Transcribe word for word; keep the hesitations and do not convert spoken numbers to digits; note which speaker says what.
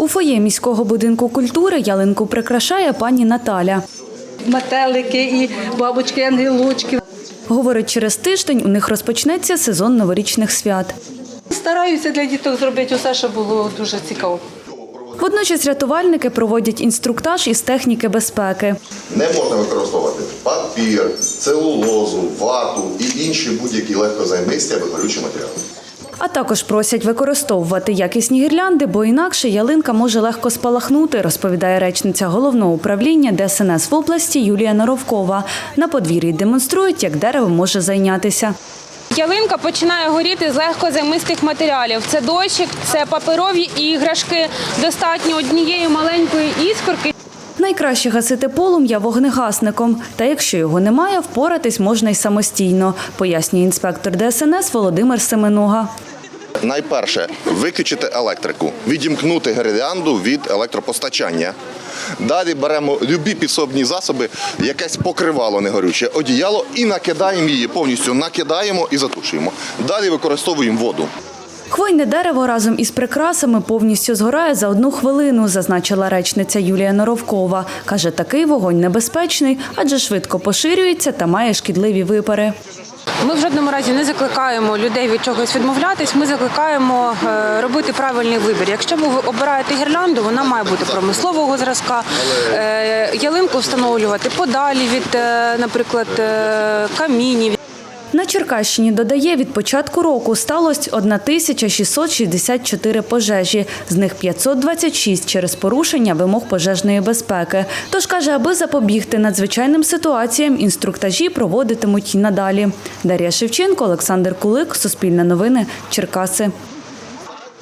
Speaker 1: У фоє міського будинку культури ялинку прикрашає пані Наталя.
Speaker 2: Метелики і бабочки, ангелочки.
Speaker 1: Говорить, через тиждень у них розпочнеться сезон новорічних свят.
Speaker 2: Стараюся для діток зробити усе, щоб було дуже цікаво.
Speaker 1: Водночас рятувальники проводять інструктаж із техніки безпеки.
Speaker 3: Не можна використовувати папір, целулозу, вату і інші будь-які легкозаймисті або горючі матеріали.
Speaker 1: А також просять використовувати якісні гірлянди, бо інакше ялинка може легко спалахнути, розповідає речниця Головного управління Де Ес Ен Ес в області Юлія Норовкова. На подвір'ї демонструють, як дерево може зайнятися.
Speaker 4: Ялинка починає горіти з легкозаймистих матеріалів. Це дощик, це паперові іграшки, достатньо однієї маленької іскорки.
Speaker 1: Найкраще гасити полум'я вогнегасником. Та якщо його немає, впоратись можна й самостійно, пояснює інспектор Де Ес Ен Ес Володимир Семенуга.
Speaker 3: Найперше – виключити електрику, відімкнути гірлянду від електропостачання. Далі беремо любі підсобні засоби, якесь покривало негорюче, одіяло і накидаємо її, повністю накидаємо і затушуємо. Далі використовуємо воду.
Speaker 1: Хвойне дерево разом із прикрасами повністю згорає за одну хвилину, зазначила речниця Юлія Норовкова. Каже, такий вогонь небезпечний, адже швидко поширюється та має шкідливі випари.
Speaker 4: Ми в жодному разі не закликаємо людей від чогось відмовлятись, ми закликаємо робити правильний вибір. Якщо ви обираєте гірлянду, вона має бути промислового зразка, ялинку встановлювати подалі від, наприклад, камінів.
Speaker 1: На Черкащині, додає, від початку року сталося тисяча шістсот шістдесят чотири пожежі, з них п'ятсот двадцять шість через порушення вимог пожежної безпеки. Тож, каже, аби запобігти надзвичайним ситуаціям, інструктажі проводитимуть і надалі. Дар'я Шевченко, Олександр Кулик, Суспільне новини, Черкаси.